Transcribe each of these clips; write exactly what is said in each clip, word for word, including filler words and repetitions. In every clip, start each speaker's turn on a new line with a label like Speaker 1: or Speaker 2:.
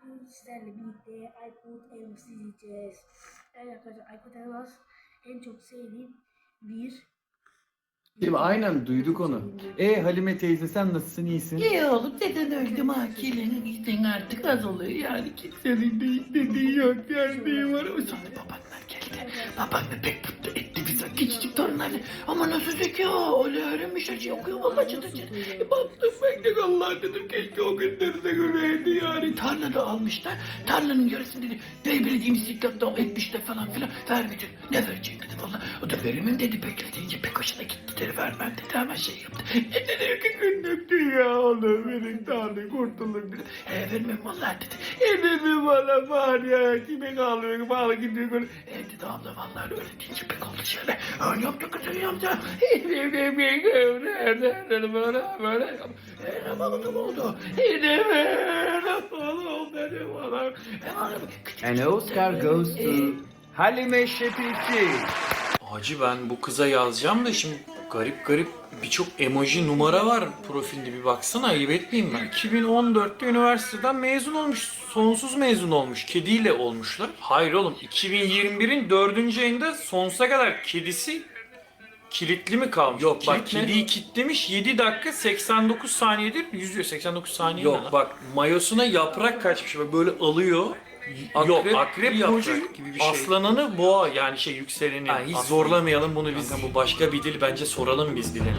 Speaker 1: bugün sizlerle birlikte Aykut Elmas'ı izleyeceğiz. Evet arkadaşlar, Aykut Elmas en çok sevdiğim bir...
Speaker 2: Değil mi? Aynen duyduk onu. E Halime teyze sen nasılsın, iyisin?
Speaker 3: İyi oğlum, deden öldüm ha. Kelinin izin artık az oluyor yani. Kimsenin de dediği yok, derdiği var. O sonra babanlar geldi. Babanla pek mutlu etti bize küçücük torunlarını. Ama nasıl zeka, öyle öğrenmiş her şeyi okuyor valla çıtır çıtır. E, baktım ben de Allah dedim, keşke o günleri de göreydi yani. Tarlada almışlar, tarlanın yarısını dedi. Bey belediyemiz dikkatle etmişler falan filan. Vermedi, ne verecek dedi valla. O da veremem dedi, bekleyince pek hoşuna gitti dedi. Vermem dedi, hemen şey yaptı. E dedi ki günlüktü ya oğlum, verin tarlayı kurtulduk dedi. E vermem valla dedi. E dedi bana var ya, kime kalıyor, bağlı gidiyor. E dedi abla valla öyle deyince pek oldu şöyle. Öyle yaptı kızım yaptı. E dedi bir gün nerede böyle böyle. E ne bakalım oldu. E ne böyle oğlum dedi bana.
Speaker 2: And Oscar goes to Halime Şepikçi.
Speaker 4: Hacı ben bu kıza yazacağım da şimdi garip garip birçok emoji numara var profilde, bir baksana, ayıp etmeyeyim ben. iki bin on dörtte üniversiteden mezun olmuş, sonsuz mezun olmuş, kediyle olmuşlar. Hayır oğlum, iki bin yirmi birin dördüncü ayında sonsuza kadar kedisi kilitli mi kalmış? Yok bak, kediyi kilitlemiş, yedi dakika seksen dokuz saniyedir yüzüyor. seksen dokuz saniye. Yok bak, mayosuna yaprak kaçmış, böyle alıyor. Akrep, Yok akrep burcu gibi bir şey. Aslananı boğa, yani şey yükseleni. Ha, hiç Aslan. Zorlamayalım bunu biz. Kanka, bu başka bir dil, bence soralım biz bilene.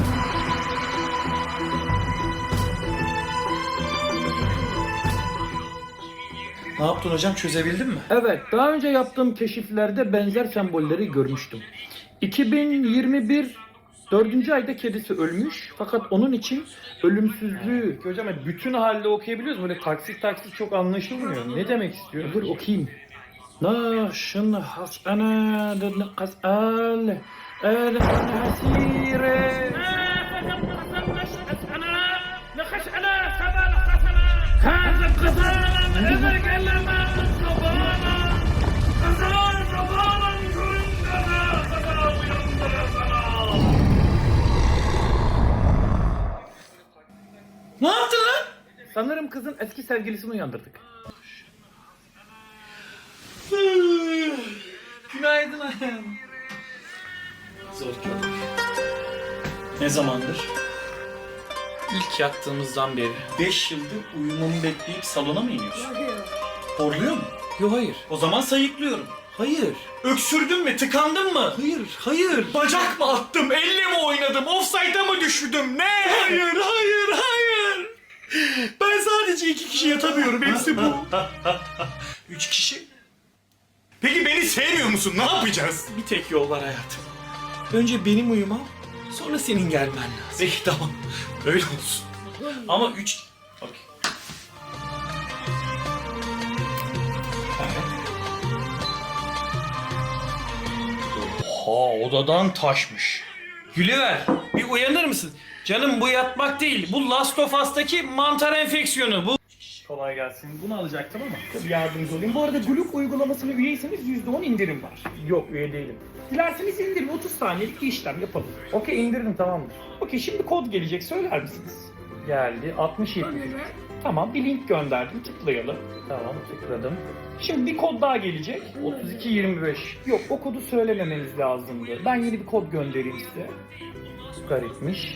Speaker 4: Ne yaptın hocam, çözebildin mi?
Speaker 3: Evet, daha önce yaptığım keşiflerde benzer sembolleri görmüştüm. iki bin yirmi bir dördüncü ayda kedisi ölmüş, fakat onun için ölümsüzlüğü...
Speaker 2: Hocam bütün halde okuyabiliyoruz. Böyle taksit taksit çok anlaşılmıyor. Ne demek istiyor?
Speaker 3: Dur okuyayım. Naşın hasana kasal el hasire.
Speaker 4: Ne yaptın lan?
Speaker 3: Sanırım kızın eski sevgilisini uyandırdık.
Speaker 4: Günaydın ayağım. Zor kadın. Ne zamandır? İlk yattığımızdan beri. Beş yıldır uyumamı bekleyip salona mı iniyorsun? Horluyor mu? Yok hayır. O zaman sayıklıyorum. Hayır. Öksürdün mü? Tıkandın mı? Hayır, hayır. Bacak mı attım? Elle mi oynadım? Offside'a mı düşürdüm? Ne? Hayır, hayır, hayır. Ben sadece iki kişi yatamıyorum. Hepsi bu. Üç kişi? Peki beni sevmiyor musun? Ne yapacağız? Bir tek yol var hayatım. Önce benim uyumam, sonra senin gelmen lazım. Peki tamam. Öyle olsun. Ama üç... Okey. Oha, odadan taşmış. Gülüver, bir uyanır mısın? Canım bu yatmak değil. Bu Last of Us'taki mantar enfeksiyonu. Bu...
Speaker 2: Kolay gelsin. Bunu alacaktım ama. Tabii yardımcı olayım. Bu arada Gluk uygulamasına üyeyseniz yüzde on indirim var. Yok, üye değilim. Dilerseniz indirin. otuz saniyelik bir işlem yapalım. Okey, indirdim, tamamdır. Okey, şimdi kod gelecek. Söyler misiniz? Geldi. altmış yedi. Tamam, bir link gönderdim. Tıklayalım. Tamam, tıkladım. Şimdi bir kod daha gelecek. otuz iki yirmi beş. Yok, o kodu söylememeniz lazımdı. Ben yeni bir kod göndereyim size. Garipmiş.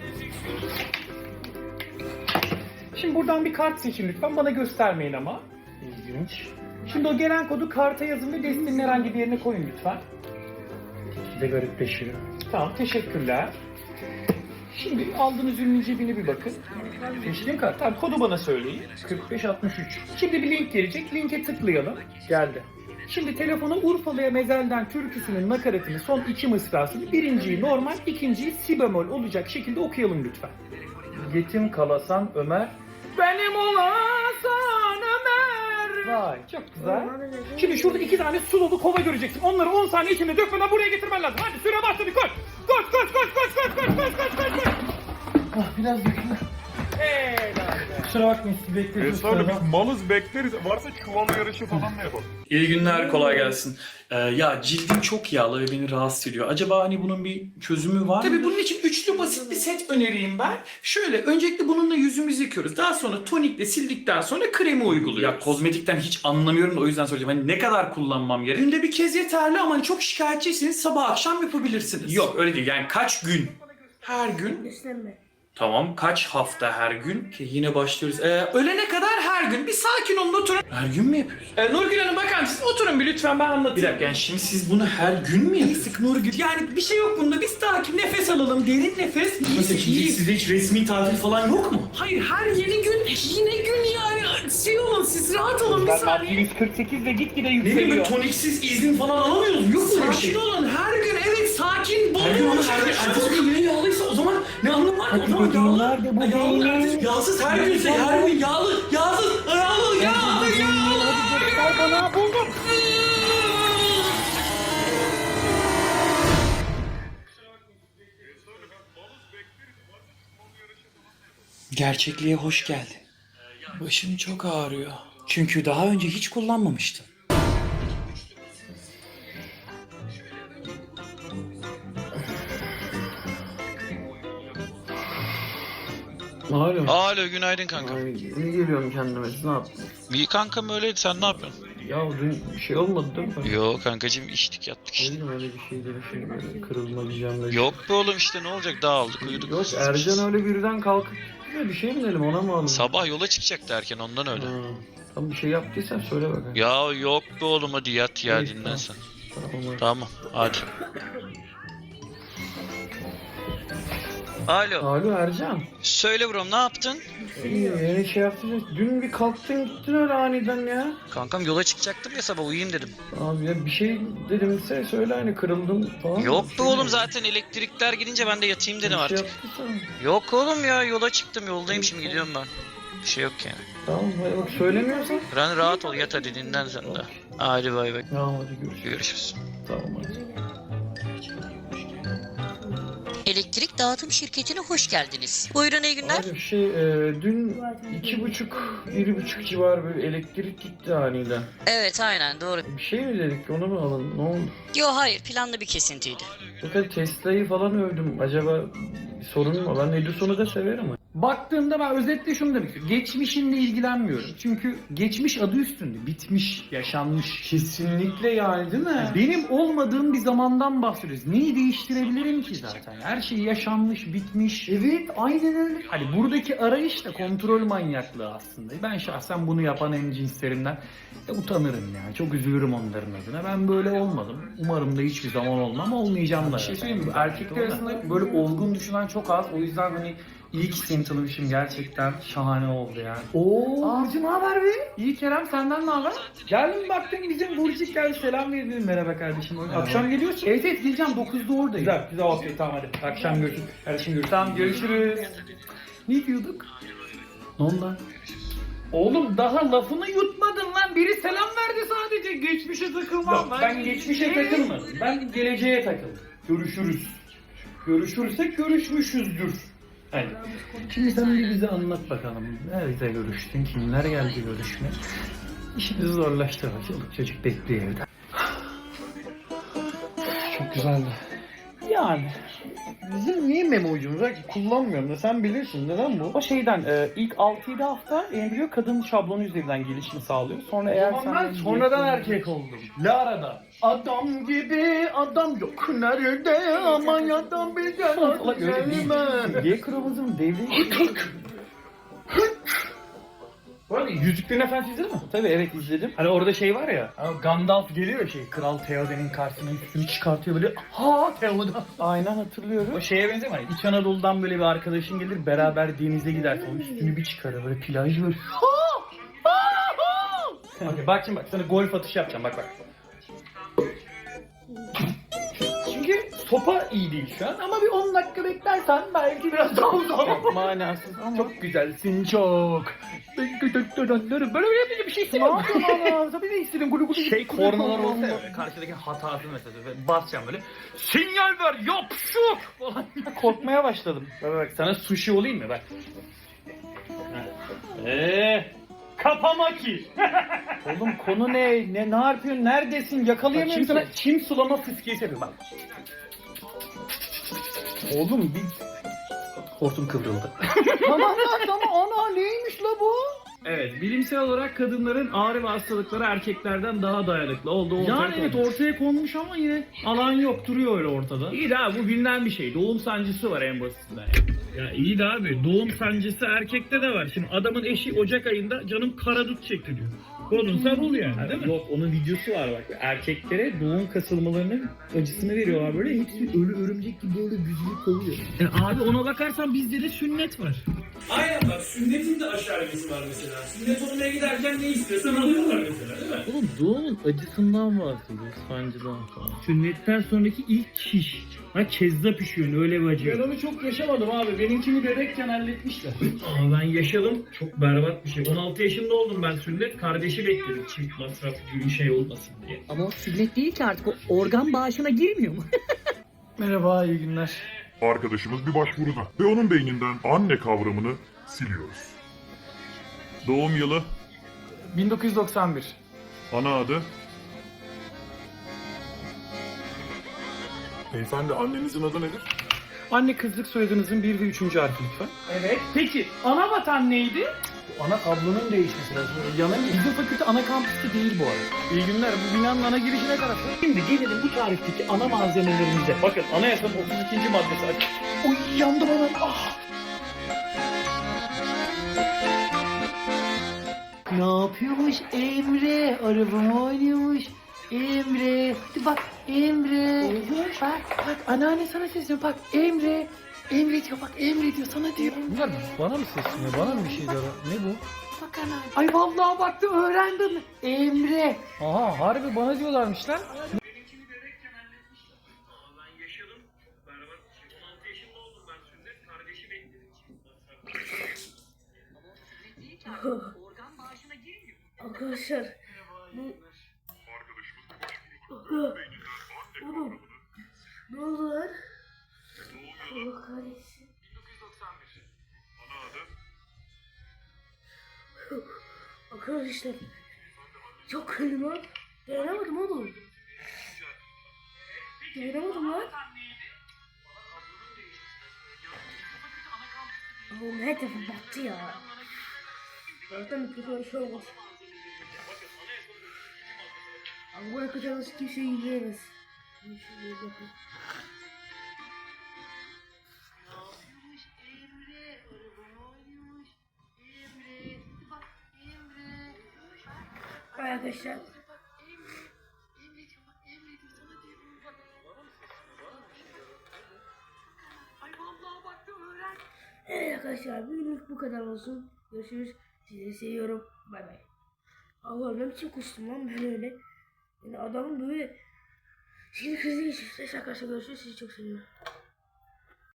Speaker 2: Şimdi buradan bir kart seçin lütfen. Bana göstermeyin ama. İlginç. Şimdi o gelen kodu karta yazın ve destinin herhangi bir yerine koyun lütfen. De garipleşiyor. Tamam, teşekkürler. Şimdi aldığınız ürünün cebine bir bakın. Seçtiğim kart. Tamam, kodu bana söyleyin. kırk beş altmış üç. Şimdi bir link gelecek. Linke tıklayalım. Geldi. Şimdi telefona Urfalı'ya mezelden türküsünün nakaratını, son iki mısrasını, birinciyi normal, ikinciyi si bemol olacak şekilde okuyalım lütfen. Yetim kalasan Ömer, benim olasan Ömer. Vay, çok güzel. Şimdi şurada iki tane su dolu kova göreceksin. Onları on saniye içinde dökmeden buraya getirmen lazım. Hadi süre başladı, koş. Koş koş koş koş koş koş koş koş koş koş. Ah, biraz döküldü. Kusura bakmayın siz bekliyorsunuz.
Speaker 5: Estağfurullah biz malız bekleriz. Varsa çuval yarışı falan da yapalım.
Speaker 4: İyi günler, kolay gelsin. Ee, ya cildim çok yağlı ve beni rahatsız ediyor. Acaba hani bunun bir çözümü var mı? Tabii bunun için üçlü basit bir set önereyim ben. Şöyle, öncelikle bununla yüzümüzü yıkıyoruz. Daha sonra tonikle sildikten sonra kremi uyguluyoruz. Ya kozmetikten hiç anlamıyorum da o yüzden söyleyeceğim. Hani ne kadar kullanmam gerek? Günde bir kez yeterli ama hani çok şikayetçiyseniz sabah akşam yapabilirsiniz. Yok öyle değil, yani kaç gün? Her gün.
Speaker 1: Beslenme.
Speaker 4: Tamam, kaç hafta her gün? Ki yine başlıyoruz. Ee, ölene kadar her gün. Bir sakin olun, oturun. Her gün mü yapıyoruz? Ee, Nurgül Hanım bakar mısınız? Oturun bir lütfen, ben anlatayım. Bir dakika, yani şimdi siz bunu her gün mü yapıyorsunuz? Nurgül, yani bir şey yok bunda. Biz sakin nefes alalım, derin nefes. Nasıl şimdi sizde hiç resmi tatil falan yok mu? Hayır, her yeni gün, yine gün yani. Şey olun, siz rahat olun bir saniye.
Speaker 2: yüz kırk sekiz ve gitgide
Speaker 4: Ne
Speaker 2: yükseliyor.
Speaker 4: bileyim, toniksiz izin falan alamıyoruz. Yok mu bir şey? Sakin olun, her gün evet sakin. Her gün ama her gün. Ertesi gün yine yağlıysa o zaman ne anlamı var? O zaman yağlı.
Speaker 2: Nerede bu
Speaker 4: Yağlı,
Speaker 2: beynin?
Speaker 4: ertesi- yağsız her günse her gün yağlı, yağsız, yağlı, yağlı, yağlı.
Speaker 2: Hadi bana buldum.
Speaker 4: Gerçekliğe hoş geldin. Başım çok ağrıyor. Çünkü daha önce hiç kullanmamıştım.
Speaker 3: Alo.
Speaker 6: Alo günaydın kanka.
Speaker 3: Ay, yeni geliyorum kendime. Siz ne yaptınız?
Speaker 6: İyi kankam öyleydi, sen ne yapıyorsun?
Speaker 3: Ya dün bir şey olmadı değil mi?
Speaker 6: Yo kankacığım, içtik yattık
Speaker 3: Ne
Speaker 6: işte.
Speaker 3: bileyim öyle bir şeydi, bir şey böyle kırılma diyeceğim böyle.
Speaker 6: Yok be oğlum, işte ne olacak, dağıldık uyuduk.
Speaker 3: Yok Ercan öyle birden kalkıp gitti de bir şey mi dedim ona mı alın?
Speaker 6: Sabah yola çıkacaktı erken, ondan öyle.
Speaker 3: Ha, tamam bir şey yaptıysan söyle bakalım.
Speaker 6: Ya yok be oğlum, hadi yat ya,
Speaker 3: İyi,
Speaker 6: dinlen
Speaker 3: tamam.
Speaker 6: sen.
Speaker 3: Tamam.
Speaker 6: Tamam hadi. Alo.
Speaker 3: Alo Ercan.
Speaker 6: Söyle brom, ne yaptın?
Speaker 3: İyi yeni şey yaptın. Dün bir kalktın gittin öyle aniden ya.
Speaker 6: Kankam yola çıkacaktım ya, sabah uyuyayım dedim.
Speaker 3: Abi ya bir şey dedimse söyle hani kırıldım falan.
Speaker 6: Yok
Speaker 3: Bir
Speaker 6: be
Speaker 3: şey
Speaker 6: oğlum,
Speaker 3: mi?
Speaker 6: zaten elektrikler gidince ben de yatayım
Speaker 3: Bir
Speaker 6: dedim
Speaker 3: şey
Speaker 6: artık.
Speaker 3: yaptıysan.
Speaker 6: Yok oğlum ya, yola çıktım, yoldayım şimdi, gidiyorum ben. Bir şey yok yani.
Speaker 3: Tamam hadi bak söylemiyorsan.
Speaker 6: Ran rahat ol, yat hadi, dinlen sen de. Hadi bay bay.
Speaker 3: Tamam hadi görüşürüz.
Speaker 6: Görüşürüz.
Speaker 3: Tamam hadi.
Speaker 7: Elektrik dağıtım şirketine hoş geldiniz. Buyurun, iyi günler.
Speaker 3: Abi şey e, dün iki buçuk, bir buçuk civar böyle elektrik gitti aniden.
Speaker 7: Evet, aynen doğru.
Speaker 3: Bir şey mi dedik onu mu alın ne oldu?
Speaker 7: Yo hayır, planlı bir kesintiydi.
Speaker 3: Fakat Tesla'yı falan övdüm. Acaba bir sorun mu? Ben Edison'u da severim.
Speaker 2: Baktığımda ben özetle şunu demek istiyorum. Geçmişinle ilgilenmiyorum. Çünkü geçmiş adı üstünde. Bitmiş, yaşanmış.
Speaker 3: Kesinlikle yani değil mi?
Speaker 2: Benim olmadığım bir zamandan bahsediyoruz. Neyi değiştirebilirim ki zaten? Her şey yaşanmış, bitmiş.
Speaker 3: Evet aynen öyle.
Speaker 2: Hani buradaki arayış da kontrol manyaklığı aslında. Ben şahsen bunu yapan en cinslerimden de utanırım yani. Çok üzülürüm onların adına. Ben böyle olmadım. Umarım da hiçbir zaman olmam. Olmayacağım da. Bir şey söyleyeyim mi? Erkekler arasında böyle olgun düşünen çok az. O yüzden hani iyi ki seni tanımışım, gerçekten şahane oldu yani.
Speaker 3: Oo.
Speaker 2: Burcu ne haber be? İyi Kerem, senden ne haber? Geldim baktım bizim Burcu geldi, selam verdim, merhaba kardeşim. Akşam geliyorsun. Evet evet geleceğim, dokuzda oradayım. Güzel güzel, okey tamam hadi. Akşam görüşürüz. Kardeşim görüşürüz. Tamam görüşürüz. Ne diyorduk?
Speaker 3: Ne oldu lan?
Speaker 2: Oğlum daha lafını yutmadın lan. Biri selam verdi sadece. Geçmişe takılmam. Ben, ben geçmişe takılmadım. Ben geleceğe takıldım. Görüşürüz. Görüşürsek görüşmüşüzdür. Hani. Şimdi sen bir bize anlat bakalım. Nerede görüştün? Kimler geldi görüşme? İşimizi zorlaştırma. Çoluk çocuk bekliyor evde.
Speaker 3: Çok güzeldi.
Speaker 2: Yani bizim niye memo'cumuz var ki? Kullanmıyorum da sen bilirsin. Neden bu? O şeyden e, ilk altı yedi hafta embriyo kadın şablonu üzerinden gelişimi sağlıyor. Sonra eğer sen...
Speaker 3: ben sonradan erkek oldum.
Speaker 2: Lara'da.
Speaker 3: Adam gibi adam yok nerede aman adam bizden
Speaker 2: Allah öyle
Speaker 3: gelme.
Speaker 2: değil. Y kromozom devri... Bu arada Yüzüklerin Efendisi izledin mi? Tabii evet izledim. Hani orada şey var ya, Gandalf geliyor ya şey, Kral Theoden'in karşısına üstünü çıkartıyor böyle, ha Theoden. Aynen hatırlıyorum. O şeye benziyor mu? İç Anadolu'dan böyle bir arkadaşın gelir, beraber denize gider, sonra üstünü bir çıkarır böyle plaj böyle. Okay, bak şimdi bak, sana golf atışı yapacağım, bak bak. Çünkü sopa iyi değil şu an ama bir on dakika beklersen belki biraz daha uzar.
Speaker 3: Manasız ama.
Speaker 2: Çok güzelsin çok. Böyle böyle bir şey istemiyorum. Ne yapıyorsun? Tabii de istedim. Gulu gulu. Şey kornalar olsa ya, karşıdaki hatası mesela. Basacağım böyle. Sinyal ver yapşuk falan. Korkmaya başladım. Bak bak sana sushi olayım mı bak. Eee kapama ki. Oğlum konu ne? Ne ne yapıyorsun? Neredesin? Yakalayamıyorum sana. Çim sulama fıskiyesi yapıyorum bak. Oğlum bir... Hortum kıvrıldı. Tamam lan tamam. Ana neymiş la bu?
Speaker 8: Evet, bilimsel olarak kadınların ağrı ve hastalıkları erkeklerden daha dayanıklı olduğu ortaya
Speaker 2: Yani evet
Speaker 8: konmuş.
Speaker 2: ortaya konmuş ama yine alan yok duruyor öyle ortada.
Speaker 8: İyi de abi bu bilinen bir şey. Doğum sancısı var en basitinden. Ya iyi de abi doğum sancısı erkekte de var. Şimdi adamın eşi Ocak ayında canım karadut çekti diyor. Konunsa bul yani değil mi?
Speaker 2: Yok onun videosu var bak. Erkeklere doğum kasılmalarının acısını veriyorlar böyle. Hepsi ölü örümcek gibi böyle büzülüp kovuyor.
Speaker 8: E abi ona bakarsan bizde de sünnet var.
Speaker 4: Aynen bak sünnetin de aşağı var mesela. Sünnet olmaya giderken ne istiyorsan alıyorlar mesela değil mi?
Speaker 8: Oğlum doğumun acısından bahsediyoruz, sancıdan falan. Sünnetten sonraki ilk şiş. Ha kezzap pişiyor öyle bir acı.
Speaker 2: Ben onu çok yaşamadım abi. Benimkini bebekken halletmişler.
Speaker 8: Aa, ben yaşadım. Çok berbat bir şey. on altı yaşında oldum ben sünnet. Kardeşi bekledim çift masraf gibi şey olmasın diye.
Speaker 9: Ama o sünnet değil ki artık o organ bağışına girmiyor mu?
Speaker 2: Merhaba iyi günler.
Speaker 5: Arkadaşımız bir başvuruda ve onun beyninden anne kavramını siliyoruz. Doğum yılı,
Speaker 2: bin dokuz yüz doksan bir.
Speaker 5: ana adı. Beyefendi annenizin adı nedir?
Speaker 2: Anne kızlık soyadınızın bir ve üçüncü harfi lütfen. Evet. Peki ana vatan neydi? Ana kablonun değişmesi lazım. Yana Bizim fakülte ana kampüste değil bu arada. İyi günler. Bu binanın ana girişi ne tarafı? Şimdi gelelim bu tarihteki ana malzemelerimize. Bakın anayasanın otuz ikinci maddesi açık. Oy yandım anam. Ah.
Speaker 3: Ne yapıyormuş Emre? Arabama oynuyormuş. Emre. Hadi bak Emre. Bak bak anneanne sana sesleniyor. Bak Emre. Emre diyor bak Emre diyor sana diyor.
Speaker 2: Bunlar bana mı sesleniyor? Bana mı bir şey diyor? Ne bu?
Speaker 3: Bak anneanne. Ay vallahi baktım öğrendim. Emre.
Speaker 2: Aha harbi bana diyorlarmış lan.
Speaker 9: Organ bağışına girmiyor.
Speaker 1: Arkadaşlar bu... Oğlum ne oldu lan? Allah kahretsin. Arkadaşlar çok kötü lan. Dayanamadım oğlum. Dayanamadım lan. Oğlum her tarafı battı ya. Zaten mikrofon şey olmaz. Ama bu kadar nasıl kimse yiyemez. Arkadaşlar evet arkadaşlar bugünlük bu kadar olsun. Görüşürüz. Sizi seviyorum. Bay bay. Allah'ım ne biçim kuştum lan ben öyle. Yani adamın böyle sinir krizi geçirdi. Neyse arkadaşlar görüşürüz. Sizi çok seviyorum.